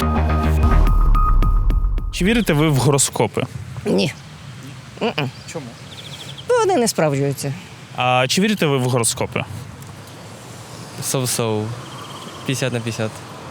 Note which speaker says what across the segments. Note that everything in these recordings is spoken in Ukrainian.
Speaker 1: Чи вірите ви в гороскопи?
Speaker 2: Ні.
Speaker 1: Чому?
Speaker 2: Бо вони не справджуються.
Speaker 1: А чи вірите ви в гороскопи?
Speaker 3: So-so. 50 на 50.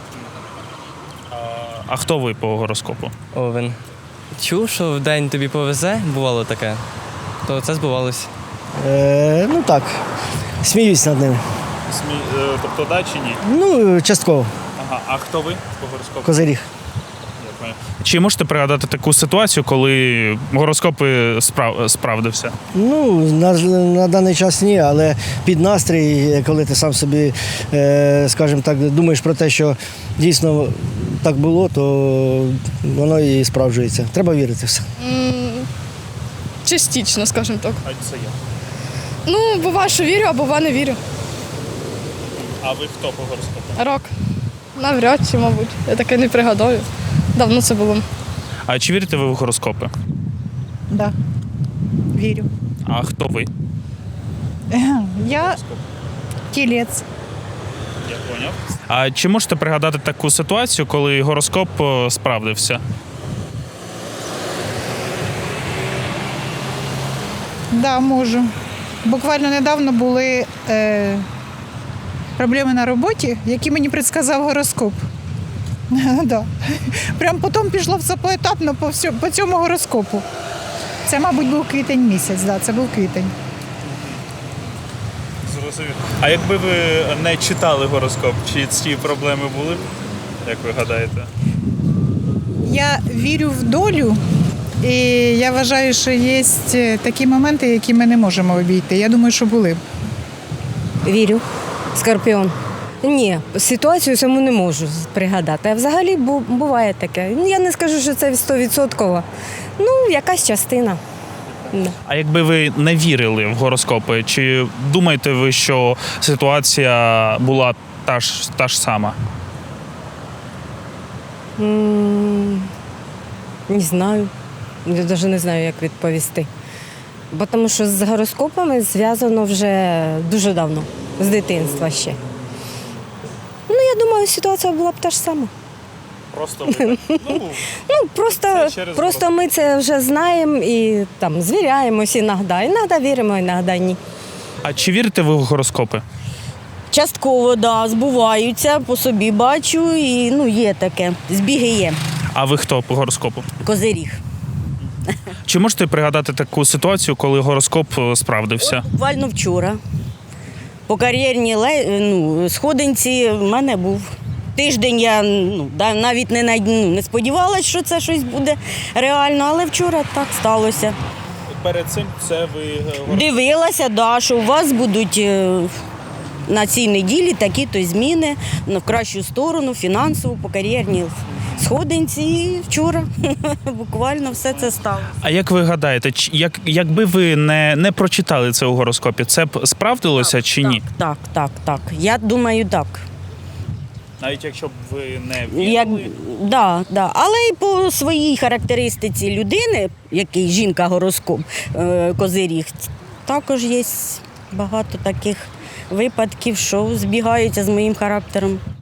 Speaker 1: А хто ви по гороскопу?
Speaker 3: Овен. Чув, що в день тобі повезе, бувало таке, то це збувалося.
Speaker 4: Ну так, сміюсь над ними.
Speaker 1: Тобто да чи ні?
Speaker 4: Ну, частково,
Speaker 1: Ага. А хто ви по гороскопу?
Speaker 4: козиріг.
Speaker 1: Чи можете пригадати таку ситуацію, коли гороскопи справдився?
Speaker 4: Ну, на даний час ні, але під настрій, коли ти сам собі, скажімо так, думаєш про те, що дійсно так було, то воно і справджується. Треба вірити в все.
Speaker 5: Частично, скажімо так.
Speaker 1: А це я.
Speaker 5: Ну, буває, що вірю, а буває, не вірю.
Speaker 1: А ви хто по гороскопу?
Speaker 5: Рок. Навряд чи, мабуть. Я таке не пригадаю. Давно це було.
Speaker 1: А чи вірите ви в гороскопи?
Speaker 6: Да, вірю.
Speaker 1: А хто ви?
Speaker 6: Я тілець.
Speaker 1: Я поняв. А чи можете пригадати таку ситуацію, коли гороскоп справдився?
Speaker 6: Да, можу. Буквально недавно були проблеми на роботі, які мені предсказав гороскоп. Да. Прям потім пішло все поетапно по цьому гороскопу. Це, мабуть, був квітень місяць, да, це був квітень.
Speaker 1: Зрозумів. А якби ви не читали гороскоп, чи ці проблеми були? Як ви гадаєте?
Speaker 6: Я вірю в долю, і я вважаю, що є такі моменти, які ми не можемо обійти. Я думаю, що були б.
Speaker 2: Вірю. Скорпіон. Ні, ситуацію саму не можу пригадати. А взагалі буває таке. Ну, я не скажу, що це 100%. Ну, якась частина. Да.
Speaker 1: А якби ви не вірили в гороскопи, чи думаєте ви, що ситуація була та ж сама?
Speaker 2: Не знаю. Я навіть не знаю, як відповісти. Бо тому що з гороскопами зв'язано вже дуже давно, з дитинства ще. Ну, я думаю, ситуація була б та ж сама.
Speaker 1: Просто ви
Speaker 2: Просто ми це вже знаємо і там звіряємось іноді віримо, іноді ні.
Speaker 1: А чи вірите ви в гороскопи?
Speaker 7: Частково, да, збуваються, по собі бачу, і є таке, збіги є.
Speaker 1: А ви хто по гороскопу?
Speaker 7: Козиріг.
Speaker 1: Чи можете пригадати таку ситуацію, коли гороскоп справдився?
Speaker 7: Буквально вчора. По кар'єрній сходинці в мене був. Тиждень я навіть не сподівалася, що це щось буде реально, але вчора так сталося.
Speaker 1: Перед цим це ви
Speaker 7: Дивилася, да, що у вас будуть на цій неділі такі-то зміни в кращу сторону, фінансово, по кар'єрній сходинці. І вчора буквально все це сталося.
Speaker 1: А як ви гадаєте, якби ви не прочитали це у гороскопі, це б справдилося чи ні?
Speaker 7: Так. Я думаю, так.
Speaker 1: Навіть якщо б ви не вірили?
Speaker 7: Да. Але і по своїй характеристиці людини, який жінка-гороскоп, козиріг, також є багато таких випадків, що збігаються з моїм характером.